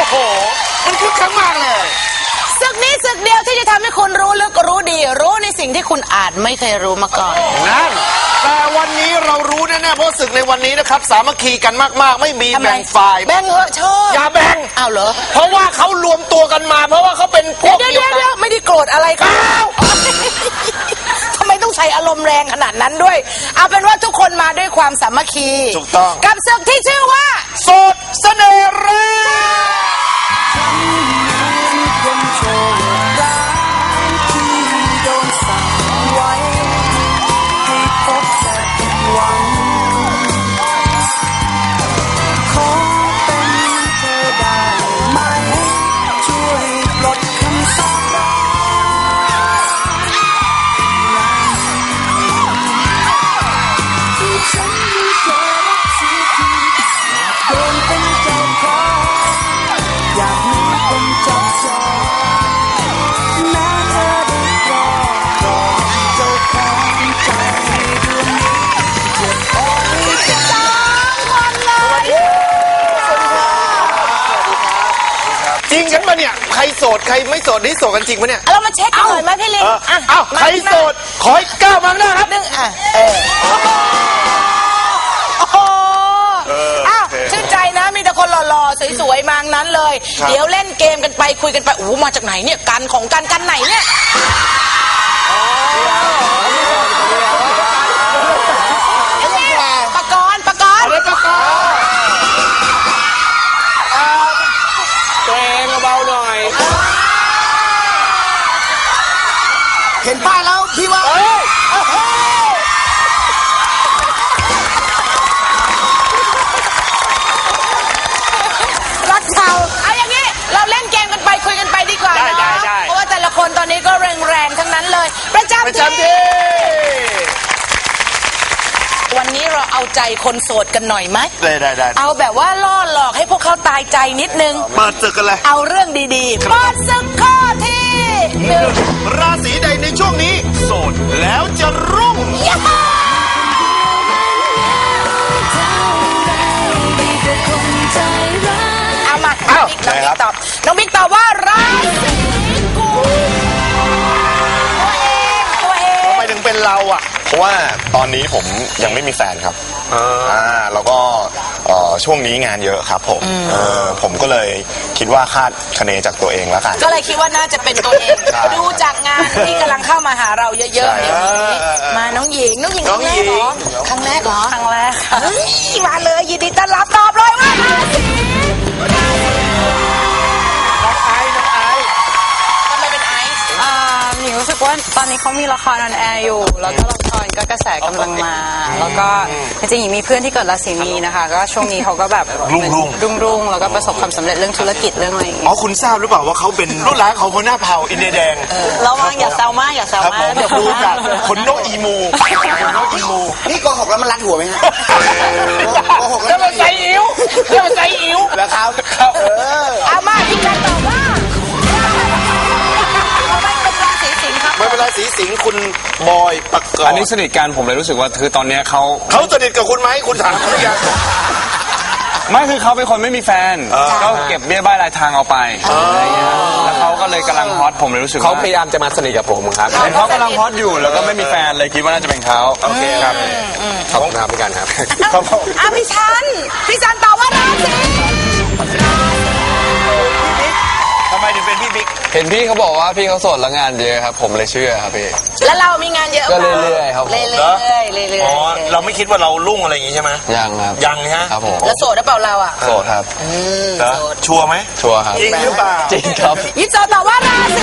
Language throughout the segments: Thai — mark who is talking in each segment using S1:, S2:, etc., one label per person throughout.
S1: โหมันคึกคักมากเลย
S2: ศึกนี้ศึกเดียวที่จะทำให้คุณรู้ลึกรู้ดีรู้ในสิ่งที่คุณอาจไม่เคยรู้มาก่อน
S1: นั่นแต่วันนี้เรารู้แน่ๆเพราะศึกในวันนี้นะครับสามัคคีกันมากๆไม่มีแบ่งฝ่าย
S2: แบ่งเหอะชอบ
S1: อย่าแบ่ง
S2: อ้าวเหรอ
S1: เพราะว่าเขารวมตัวกันมาเพราะว่าเขาเป็นพวกเดียวกัน
S2: ไม่ได้โกรธอะไรกันทำไมต้องใช้อารมณ์แรงขนาดนั้นด้วยเอาเป็นว่าทุกคนมาด้วยความสามัคคี
S1: ถูกต้อง
S2: กับศึกที่ชื่อว่า
S1: โสดเสน่ห์แรงจริงกันปะเนี่ยใครโสดใครไม่โสดนี่โสดกันจริงปะเนี่ย
S2: เรามาเช็คกันหน่อยไหมพี่ลิง
S1: อ้าวใครโสดขอให้ก้าวมาหน้าครับ
S2: นึงชื่นใจนะมีแต่คนหล่อๆสวยๆมานั้นเลยเดี๋ยวเล่นเกมกันไปคุยกันไปโอ้มาจากไหนเนี่ยกันของกันไหนเนี่ยปกรณ์
S1: ตัวเองเบาหน่อย
S3: เห็นป้ายแล้วพี่ว่า
S2: รักชาวเอาอย่างนี้เราเล่นเกมกันไปคุยกันไปดีกว่าเนาะเพราะว่าแต่ละคนตอนนี้ก็แรงทั้งนั้นเลยประจำที่วันนี้เราเอาใจคนโสดกันหน่อยไหม
S1: ได้
S2: เอาแบบว่าล่อหลอกให้พวกเขาตายใจนิดนึง
S1: เปิดศึกกันเลย
S2: เอาเรื่องดีๆเปิดศึกข้อที่
S1: 1ราศีใดในช่วงนี้โสดแล้วจะรุ่ง
S2: เอามาน้องบิ๊กตอบว่าราศีกุมตัวเอง
S1: ทำไมถึงเป็นเราอ่ะ
S4: เพราะว่าตอนนี้ผมยังไม่มีแฟนครับแล้วก็ช่วงนี้งานเยอะครับผมก็เลยคิดว่าคาดคะเนจากตัวเองแล้วกัน
S2: ก็เลยคิดว่าน่าจะเป็นตัวเองดูจากงานที่กำลังเข้ามาหาเราเยอะๆเดี๋ยวนี้มาน้องหญิงครั้งแรกเหรอครั้งแรกค่ะมาเลยยินดีต้อนรับตอบเลยว่าราศี
S5: หญิงรู้สึกว่าตอนนี้เขามีละครออนแอร์อยู่แล้วก็ละครก็กระแสกำลังมาแล้วก็จริงๆหญิงมีเพื่อนที่เกิดราศีมีนะคะก็ช่วงนี้เขาก็แบบรุ่งแล้วก็ประสบความสำเร็จเรื่องธุรกิจเรื่องอะไรอย่างเงี้ย
S1: คุณทราบหรือเปล่าว่าเขาเป็นรุ่นหลานของคนหน้าเผาอินเดียแดง
S2: ระวังอย่าแซวมากเดี๋ยว
S1: ดูจากคนโนอีมู
S3: นี่โกหกแล้วมันรัดหัวไหมฮะโกหก
S1: แล้วมันใจอิ๋ว
S3: แล้วครับ
S2: เอามาที่การตอบว่า
S1: ไม่เป็นไรสีสิงห์คุณบอยปกรณ์
S4: อันนี้สนิทกันผมเลยรู้สึกว่าคือตอนนี้เขา
S1: สนิทกับคุณไหมคุณถามเขาหรือยัง
S4: ไม่คือเขาเป็นคนไม่มีแฟนก็เก็บเบี้ยบ้ายรายทางเอาไปแล้วเขาก็เลยกำลังฮอตผมเลยรู้สึกเขาพยายามจะมาสนิทกับผมครับเขากำลังฮอตอยู่แล้วก็ไม่มีแฟนเลยคิดว่าน่าจะเป็นเขา
S1: โอเคครับ
S4: ขอบคุณครับพี่กันครับ
S2: พี่ชันตอบว่าราศี
S1: ทำไมถึงเป็นพี่บิ๊ก
S4: เห็นพี่เขาบอกว่าพี่เขาโสดแล้วงานเยอะครับผมเลยเชื่อครับพี่
S2: แล้วเรามีงานเยอะ
S4: ก็เรื่อยๆครับ
S2: เรื่อย
S1: อ๋อเราไม่คิดว่าเรารุ่งอะไรอย่างงี้ใช่ไหม
S4: ยังครับ
S1: ยังฮะ
S4: ครับผม
S2: แล้วโสดหรือเปล่าเราอ่ะ
S4: โสดครับ
S1: ชัวร์ไหม
S4: ชัวร์ครับ
S1: จริงหรือเปล่า
S4: จริงครับ
S2: ยิปโซตอบว่าราศี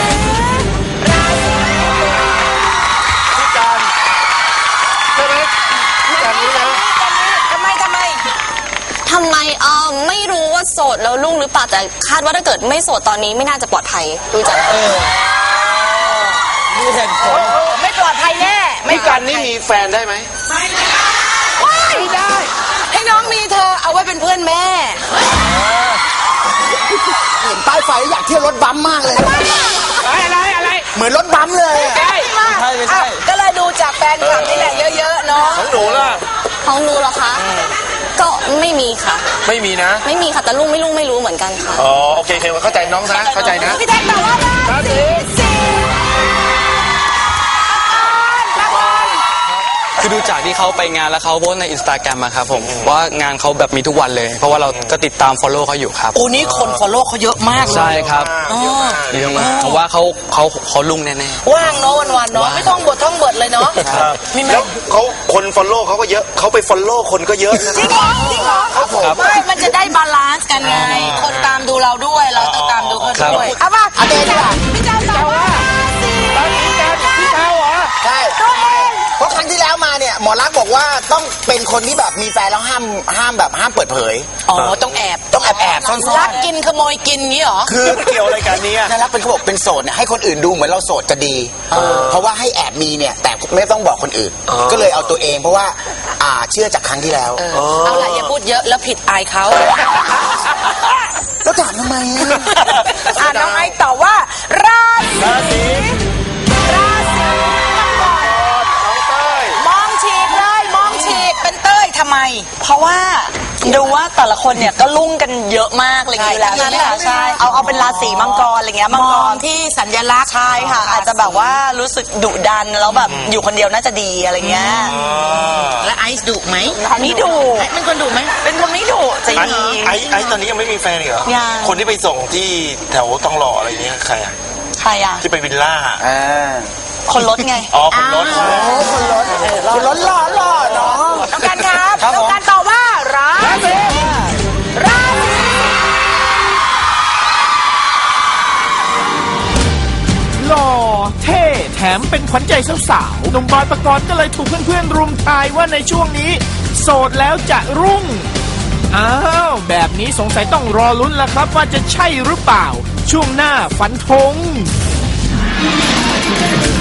S1: พี่การใช่ไหมพี่การรู้นะ
S2: ทำไม
S5: ไม่รู้ว่าโสดแล้วรุ่งหรือเปล่าแต่คาดว่าถ้าเกิดไม่โสดตอนนี้ไม่น่าจะปลอดภัยดูจาก
S2: มีเหตุผลไม่ปลอดภัยแน่
S1: พี่การนี่มีแฟนได้ไหม
S2: ไม่ได้ให้น้องมีเธอเอาไว้เป็นเพื่อนแม่
S3: เห็นป้ายไฟอยากเที่ยวรถบัมมากเลย
S1: อะไร
S3: เหมือนรถบัมเลย
S2: ไม่ใช่ก็เลยดูจากแฟนคลับนี่แหละเยอะๆเนาะ
S1: ของหนูล่ะ
S5: ของหนูเหรอคะ
S6: ก็ไม่มีค่ะ
S1: ไม่มีนะ
S6: ไม่มีค่ะแต่ลุงไม่รู้เหมือนกันค่ะ
S1: อ๋อโอเคเข้าใจน้องนะเข้าใจนะ
S2: พี่แท็กตอบว่าราศีสิงห์
S7: คือดูจากที่เขาไปงานแล้วเขาโพสต์ในอินสตาแกรมอะครับผมว่างานเขาแบบมีทุกวันเลย เพราะว่าเราก็ติดตาม follow เขาอยู่ครับ
S2: โอ้นี่คนฟอลโล่เขาเยอะมากเลย
S7: ใช่ครับเยอะมากผมว่าเขาลุ่งแน่ๆ
S2: ว่างเนาะวันๆเนาะไม่ต้องบทเลยเนาะมีไหม
S1: แล้วเขาคนฟอลโล่เขาก็เยอะเขาไปฟอลโล่คนก็เยอะนะ
S2: จริงเหรอครับผมไม่มันจะได้บาลานซ์กันไงคนตามดูเราด้วยเราต้องตามดูเขาด้วยเอาป่ะเอาเดดีกว่าพี่เจ้าตอบว่าราศี
S3: ใช่เพราะครั้งที่แล้วมาเนี่ยหมอรักษณ์บอกว่าต้องเป็นคนที่แบบมีแฟนแล้วห้ามเปิดเผย
S2: อ๋อต้องแอบ
S3: ต้องแอบซ่อน
S2: ลักกินขโมยกินงี้เหรอ
S3: ๆคือเกี่ยวอะไรกันเนี่ยถ้ารักเป็นเขาบอกเป็นโสดเนี่ยให้คนอื่นดูเหมือนเราโสดจะดี เพราะว่าให้แอบมีเนี่ยแต่ไม่ต้องบอกคนอื่น ก็เลยเอาตัวเองเพราะว่าเชื่อจากครั้งที่แล้ว
S2: เอาล่ะอย่าพูดเยอะแล้วผิดอายเขา
S3: แล้วถามทำไมอะ
S2: น้องไอซ์ตอบว่าราศีมองฉีกเลยมองฉีกเป็นเต้ยทำไม
S8: เพราะว่าดูว่าแต่ละคนเนี่ยก็ลุ่งกันเยอะมากอะไรอย่างเงี้ยอยู่แล้ว
S2: ใช่
S8: ใช่ไหมคะ
S2: ใช่
S8: ใช่เอาเป็นราศีมังกรอะไรเงี้ยมัง
S2: ม
S8: ก
S2: อง
S8: ร
S2: ที่สัญลักษณ์
S8: ใช่ค่ะ อาจจะแบบว่ารู้สึกดุดันแล้วแบบอยู่คนเดียวน่าจะดีอะไรเงี้ย
S2: และไอซ์ดุไหม
S8: นี่ดุ
S2: เป็นคนดุไหม
S8: เป็นคนไม่ดุใจดี
S1: ไอ้ตอนนี้ยังไม่มีแฟนเหรอ
S8: ยัง
S1: คนที่ไปส่งที่แถวตองหล่ออะไรเงี้ยใครอะ
S8: ใครอ่ะ
S1: ที่ไปวิลล่า
S8: คนรถไง
S1: อ๋อคนรถ
S3: คนล้นหล่อเนาะ
S2: ต้องการครับต้องการตอบว่าราศี
S9: หล่อเท่แถมเป็นขวัญใจสาวๆหนุ่มบอยปกรณ์ก็เลยถูกเพื่อนๆรุมทายว่าในช่วงนี้ โสดแล้วจะรุ่ง อ้าว แบบนี้สงสัยต้องรอลุ้นแล้วครับว่าจะใช่หรือเปล่า ช่วงหน้าฝันธง